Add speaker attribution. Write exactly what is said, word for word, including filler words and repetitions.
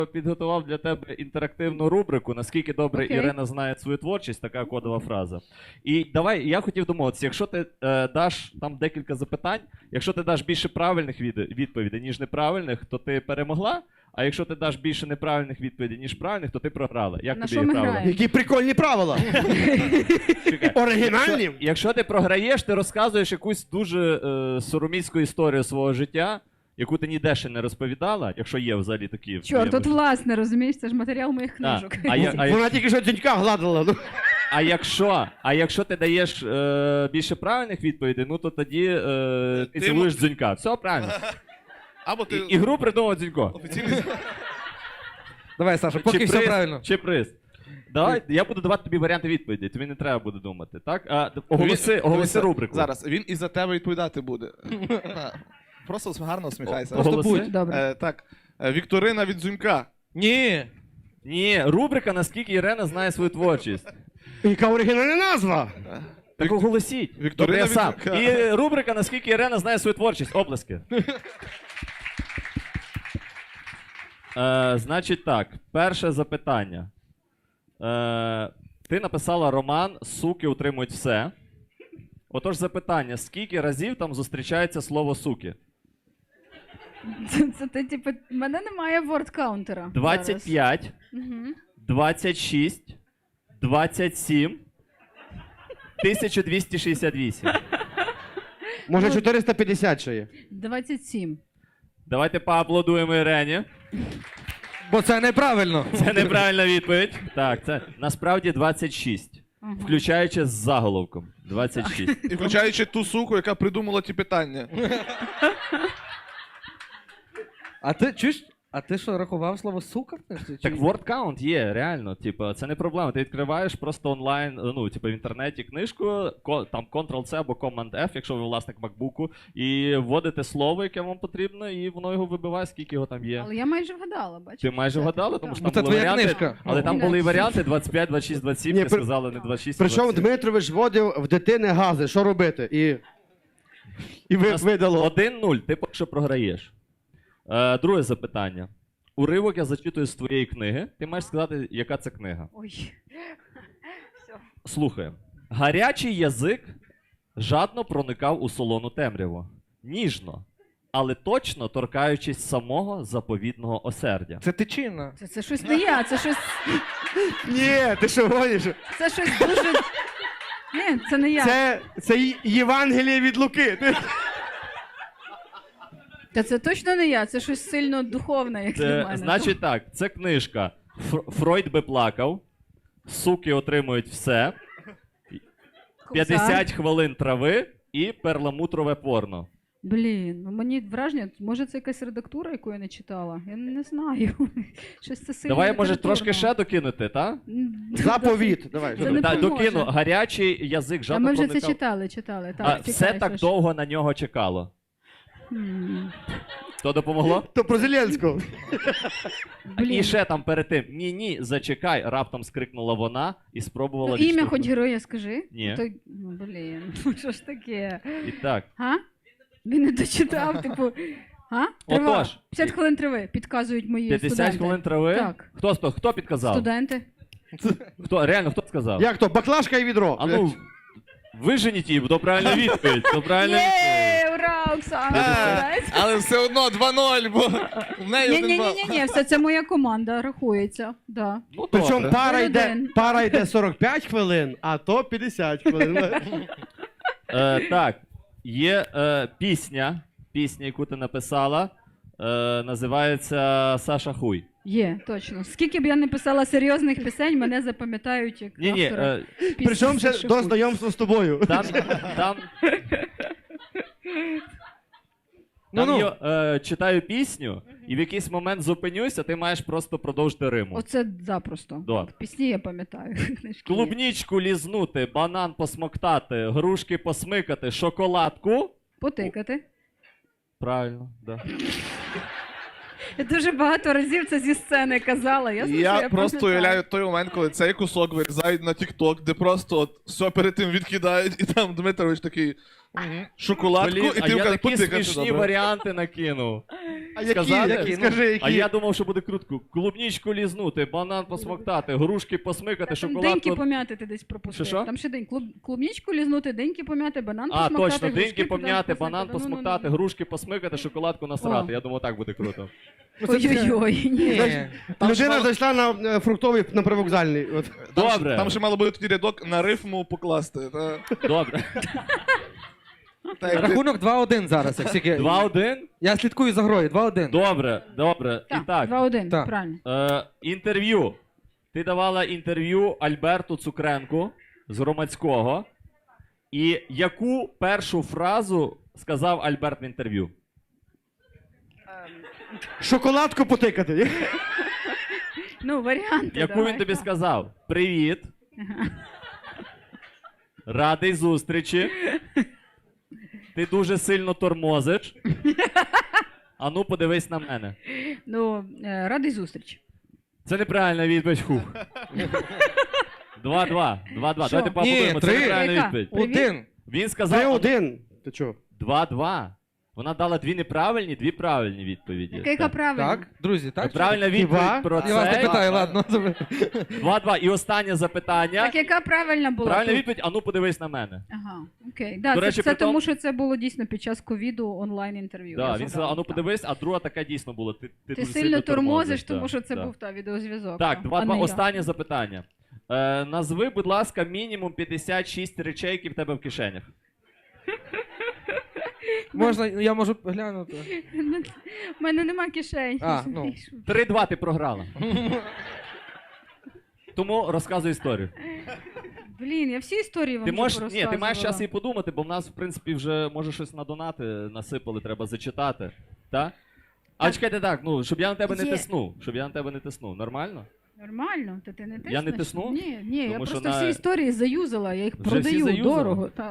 Speaker 1: підготував для тебе інтерактивну рубрику, наскільки добре
Speaker 2: Окей.
Speaker 1: Ірина знає свою творчість, така кодова фраза. І давай, я хотів домовитися, якщо ти е, даш там декілька запитань, якщо ти даш більше правильних від, відповідей, ніж неправильних, то ти перемогла, а якщо ти даш більше неправильних відповідей, ніж правильних, то ти програла. Як
Speaker 2: На
Speaker 1: тобі
Speaker 2: що ми
Speaker 1: правила?
Speaker 2: граємо?
Speaker 3: Які прикольні правила.
Speaker 1: Чекай.
Speaker 3: Оригінальні.
Speaker 1: Якщо, якщо ти програєш, ти розказуєш якусь дуже е, сороміцьку історію свого життя, яку ти ніде ще не розповідала, якщо є взагалі такі.
Speaker 2: Чорт, тут власне, розумієш, це ж матеріал моїх
Speaker 1: А,
Speaker 2: книжок.
Speaker 1: а, я, а,
Speaker 3: Вона тільки що дзюнька гладила. Ну.
Speaker 1: а, якщо, а якщо ти даєш е, більше правильних відповідей, ну то тоді е, ти
Speaker 4: Ти
Speaker 1: цілуєш дзюнька. Все правильно.
Speaker 4: Або ти
Speaker 1: І, ігру придумав дзюнько.
Speaker 4: офіційний...
Speaker 5: Давай, Саша, поки
Speaker 1: Чи
Speaker 5: все
Speaker 1: приз,
Speaker 5: правильно.
Speaker 1: Чи приз. Давай, я буду давати тобі варіанти відповідей, тобі не треба буде думати, так? А, оголоси,
Speaker 4: Він-
Speaker 1: оголоси
Speaker 4: дивися,
Speaker 1: рубрику.
Speaker 4: Зараз, він і за тебе відповідати буде. Так. Просто гарно усміхайся.
Speaker 1: О,
Speaker 5: Просто
Speaker 1: Оголоси?
Speaker 5: будь.
Speaker 2: Добре.
Speaker 4: Е, так, е, Вікторина від Дзюнька.
Speaker 5: Ні.
Speaker 1: Ні, рубрика, наскільки Ірина знає свою творчість.
Speaker 3: Яка оригінальна назва.
Speaker 1: Так оголосіть.
Speaker 4: Вікторина
Speaker 1: Добре, я сам.
Speaker 4: Вітюка.
Speaker 1: І рубрика, наскільки Ірина знає свою творчість. Оплески. Е, значить так, перше запитання. Е, ти написала роман «Суки утримують все». Отож запитання, скільки разів там зустрічається слово «суки»?
Speaker 2: Це, це ти, типу, в мене немає ворд-каунтера.
Speaker 1: двадцять п'ять,
Speaker 2: Угу.
Speaker 1: двадцять шість, двадцять сім, тисяча двісті шістдесят вісім.
Speaker 3: Може
Speaker 2: Ну,
Speaker 3: чотириста п'ятдесят ще є.
Speaker 2: двадцять сім.
Speaker 1: Давайте поаплодуємо Ірені.
Speaker 5: Бо це неправильно.
Speaker 1: Це неправильна відповідь. Так, це насправді двадцять шість.
Speaker 2: Ага.
Speaker 1: Включаючи з заголовком. двадцять шість.
Speaker 4: І включаючи ту суку, яка придумала ті питання.
Speaker 5: А ти чуєш? А ти що, рахував слово сука? в книжці, чи
Speaker 1: Так
Speaker 5: ні?
Speaker 1: word count є, реально. Типу, це не проблема. Ти відкриваєш просто онлайн, ну, типу, в інтернеті книжку, ко- там Ctrl-C або Command-F, якщо ви власник MacBook, і вводите слово, яке вам потрібно, і воно його вибиває, скільки його там є.
Speaker 2: Але я майже вгадала, бачиш?
Speaker 1: Ти майже
Speaker 2: Все,
Speaker 1: вгадала,
Speaker 2: так.
Speaker 1: тому що
Speaker 5: Бо
Speaker 1: там
Speaker 5: це
Speaker 1: були
Speaker 5: твоя
Speaker 1: варіанти.
Speaker 5: книжка.
Speaker 1: Але там
Speaker 2: Ну,
Speaker 1: були
Speaker 2: да.
Speaker 1: варіанти двадцять п'ять, двадцять шість, двадцять сім,
Speaker 3: Ні,
Speaker 1: ти
Speaker 3: при-
Speaker 1: сказала не двадцять шість, а
Speaker 3: Причому
Speaker 1: двадцять сім.
Speaker 3: Дмитрович вводив в дитини гази, що робити? І, і ви,
Speaker 1: Нас
Speaker 3: видало.
Speaker 1: один нуль, ти поки що програєш. Е, друге запитання. Уривок я зачитую з твоєї книги. Ти маєш сказати, яка це книга.
Speaker 2: Ой. Все.
Speaker 1: Слухай. Гарячий язик жадно проникав у солону темряву. Ніжно, але точно торкаючись самого заповідного осердя.
Speaker 5: Це тичина.
Speaker 2: Це, це щось не я, це щось.
Speaker 3: Ні, ти що гониш?
Speaker 2: Це щось дуже. Ні, це не я.
Speaker 3: Це, це Й- Євангеліє від Луки. Ти-
Speaker 2: Та це точно не я, це щось сильно духовне, як для
Speaker 1: Це,
Speaker 2: мене.
Speaker 1: значить так, це книжка Фр- Фройд би плакав, суки отримують все,
Speaker 2: Кобзар.
Speaker 1: п'ятдесят хвилин трави і перламутрове порно.
Speaker 2: Блін, ну мені враження, може це якась редактура, яку я не читала? Я не знаю. Щось це сильно.
Speaker 1: Давай, може,
Speaker 2: літературно.
Speaker 1: трошки ще докинути, так?
Speaker 2: М,
Speaker 3: Заповіт. Давай.
Speaker 2: Це
Speaker 3: що
Speaker 2: не
Speaker 3: там?
Speaker 1: Так,
Speaker 2: поможе.
Speaker 1: докину. Гарячий язик
Speaker 2: А
Speaker 1: жадно
Speaker 2: ми вже це
Speaker 1: проникав.
Speaker 2: читали, читали. Так,
Speaker 1: А,
Speaker 2: чекай,
Speaker 1: все так
Speaker 2: що ж.
Speaker 1: довго на нього чекало.
Speaker 2: М,
Speaker 1: То допомогло?
Speaker 3: То про Зеленського.
Speaker 2: Блін.
Speaker 1: І ще там перед тим ні-ні, зачекай, раптом скрикнула вона і спробувала
Speaker 2: Ну, ім'я
Speaker 1: відштовхнути.
Speaker 2: хоч героя скажи.
Speaker 1: Ні.
Speaker 2: То... Ну, блін, ну що ж таке?
Speaker 1: І так.
Speaker 2: А? Він не дочитав, типу. А? Трива.
Speaker 1: Отож.
Speaker 2: п'ятдесят хвилин триви, підказують мої
Speaker 1: п'ятдесят
Speaker 2: студенти.
Speaker 1: хвилин трави?
Speaker 2: Так.
Speaker 1: Хто, хто, хто підказав?
Speaker 2: Студенти.
Speaker 1: Хто, реально, хто сказав?
Speaker 3: Як то? Баклажка і відро.
Speaker 1: А ну, виженіть її, то правильна відповідь. То правильна відповідь.
Speaker 2: Є, ура, Оксана,
Speaker 4: Е,
Speaker 2: молодець.
Speaker 4: Але все одно два нуль, бо в неї
Speaker 2: Ні,
Speaker 4: один
Speaker 2: ні,
Speaker 4: бал.
Speaker 2: ні, ні, ні, все це моя команда рахується. Да.
Speaker 1: Ну,
Speaker 3: Причому
Speaker 1: добре.
Speaker 3: пара йде,
Speaker 2: Один.
Speaker 3: пара йде сорок п'ять хвилин, а то п'ятдесят хвилин.
Speaker 1: Е, так, є е, пісня, пісня, яку ти написала, е, називається «Саша Хуй».
Speaker 2: Є, точно. Скільки б я не писала серйозних пісень, мене запам'ятають як
Speaker 1: Ні-ні,
Speaker 2: автора
Speaker 1: е,
Speaker 2: пісні
Speaker 3: Причому ще
Speaker 2: Саші
Speaker 3: до
Speaker 2: Хуй.
Speaker 3: знайомства з тобою.
Speaker 1: там, там,
Speaker 5: Ну,
Speaker 1: там
Speaker 5: ну.
Speaker 1: я е, читаю пісню, і в якийсь момент зупинюся, ти маєш просто продовжити риму.
Speaker 2: Оце запросто.
Speaker 1: Да.
Speaker 2: Пісні я пам'ятаю. книжки є.
Speaker 1: Клубнічку лізнути, банан посмоктати, грушки посмикати, шоколадку.
Speaker 2: Потикати.
Speaker 1: Правильно, да.
Speaker 2: Я дуже багато разів це зі сцени казала. Я,
Speaker 4: Я просто уявляю той момент, коли цей кусок вирізають на TikTok, де просто от все перед тим відкидають, і там Дмитрович такий: Мгм. Шоколадку,
Speaker 1: Блін,
Speaker 4: і
Speaker 1: а
Speaker 4: ти
Speaker 1: я
Speaker 4: вказ-
Speaker 1: такі
Speaker 4: потикати,
Speaker 1: смішні
Speaker 4: добре.
Speaker 1: варіанти накинув.
Speaker 3: А які?
Speaker 1: Сказати?
Speaker 3: які? Скажи, які?
Speaker 1: А я думав, що буде крутку. Клубнічку лізнути, банан посмоктати, грушки посмикати,
Speaker 2: Там деньки
Speaker 1: шоколадку.
Speaker 2: пом'яти ти десь пропустив.
Speaker 1: Що-що?
Speaker 2: Там ще день. Клуб, клубнічку лізнути, деньки пом'яти, банан
Speaker 1: А,
Speaker 2: посмоктати.
Speaker 1: точно,
Speaker 2: грушки
Speaker 1: деньки пом'яти,
Speaker 2: посмоктати.
Speaker 1: банан
Speaker 2: Ну, ну, ну,
Speaker 1: посмоктати,
Speaker 2: ну.
Speaker 1: грушки посмикати, шоколадку насрати.
Speaker 2: О.
Speaker 1: Я думав, так буде круто.
Speaker 2: Ой-ой-ой, ні.
Speaker 5: Ні.
Speaker 4: Там ще
Speaker 3: Людина
Speaker 4: мало-
Speaker 3: зайшла на е, фруктовий на привокзальний. От.
Speaker 4: Там ще-
Speaker 1: Добре.
Speaker 4: Там ще мало бути тоді рядок на рифму покласти. Та,
Speaker 1: Добре.
Speaker 4: та, як ти-
Speaker 5: Рахунок два-один зараз. як тільки-
Speaker 1: Два-один?
Speaker 5: Я слідкую за грою. два-один.
Speaker 1: Добре, добре. І
Speaker 2: Так,
Speaker 1: так,
Speaker 2: два-один,
Speaker 5: Так.
Speaker 2: правильно.
Speaker 1: е, інтерв'ю. Ти давала інтерв'ю Альберту Цукренку з Громадського. І яку першу фразу сказав Альберт в інтерв'ю?
Speaker 3: Шоколадку потикати.
Speaker 2: Ну, варіанти
Speaker 1: Яку
Speaker 2: давай.
Speaker 1: він тобі сказав? Привіт. Радий зустрічі. Ти дуже сильно тормозиш. Ану, подивись на мене.
Speaker 2: Ну, е, радий зустрічі.
Speaker 1: Це неправильна відповідь. Хух. Два-два. Два-два.
Speaker 2: Що?
Speaker 1: Давайте поаплодуємо. Це
Speaker 5: три.
Speaker 1: неправильна
Speaker 2: Яка?
Speaker 1: відповідь.
Speaker 2: Привіт.
Speaker 5: Один.
Speaker 1: Він сказав
Speaker 3: Три-один. Ти чого?
Speaker 1: два-два. Вона дала дві неправильні, дві правильні відповіді.
Speaker 2: Яка, яка правильна?
Speaker 5: Так, друзі, так?
Speaker 1: Правильна
Speaker 3: Хіба?
Speaker 1: відповідь про
Speaker 5: Я вас не
Speaker 1: це.
Speaker 5: питаю, ладно.
Speaker 1: Два-два. І останнє запитання.
Speaker 2: Так яка правильна була?
Speaker 1: Правильна
Speaker 2: тут?
Speaker 1: відповідь, ану подивись на мене.
Speaker 2: Ага, окей. Да,
Speaker 1: До
Speaker 2: це,
Speaker 1: речі,
Speaker 2: це
Speaker 1: при тому-
Speaker 2: тому, що це було дійсно під час ковіду онлайн-інтерв'ю.
Speaker 1: Да,
Speaker 2: Я
Speaker 1: він
Speaker 2: згадала,
Speaker 1: сказав, ану
Speaker 2: так.
Speaker 1: подивись, а друга така дійсно була. Ти, ти,
Speaker 2: Ти
Speaker 1: дуже
Speaker 2: сильно тормозиш, тому
Speaker 1: да,
Speaker 2: що це
Speaker 1: да.
Speaker 2: був та відеозв'язок.
Speaker 1: Так,
Speaker 2: а
Speaker 1: два-два.
Speaker 2: не я.
Speaker 1: Останнє запитання. Е, назви, будь ласка, мінімум п'ятдесят шість речей, які в тебе в кишенях.
Speaker 5: Можна, я можу глянути.
Speaker 2: У мене нема кишень.
Speaker 5: А, ну.
Speaker 1: Три-два ти програла. Тому розказуй історію.
Speaker 2: Блін, я всі історії вам
Speaker 1: Ти
Speaker 2: вже
Speaker 1: можеш, ні, ти маєш
Speaker 2: порозказувала.
Speaker 1: час і подумати, бо в нас, в принципі, вже може щось на донати насипали, треба зачитати. Так? А
Speaker 2: Так.
Speaker 1: чекайте так, ну, щоб я на тебе не
Speaker 2: Є.
Speaker 1: тиснув. Щоб я на тебе не тиснув. Нормально?
Speaker 2: Нормально, то ти не тиснеш?
Speaker 1: Я не тисну?
Speaker 2: Ні, ні, я
Speaker 1: Тому що
Speaker 2: просто
Speaker 1: на-
Speaker 2: всі історії заюзала, я їх
Speaker 1: Вже всі
Speaker 2: продаю
Speaker 1: заюзала?
Speaker 2: дорого. Та.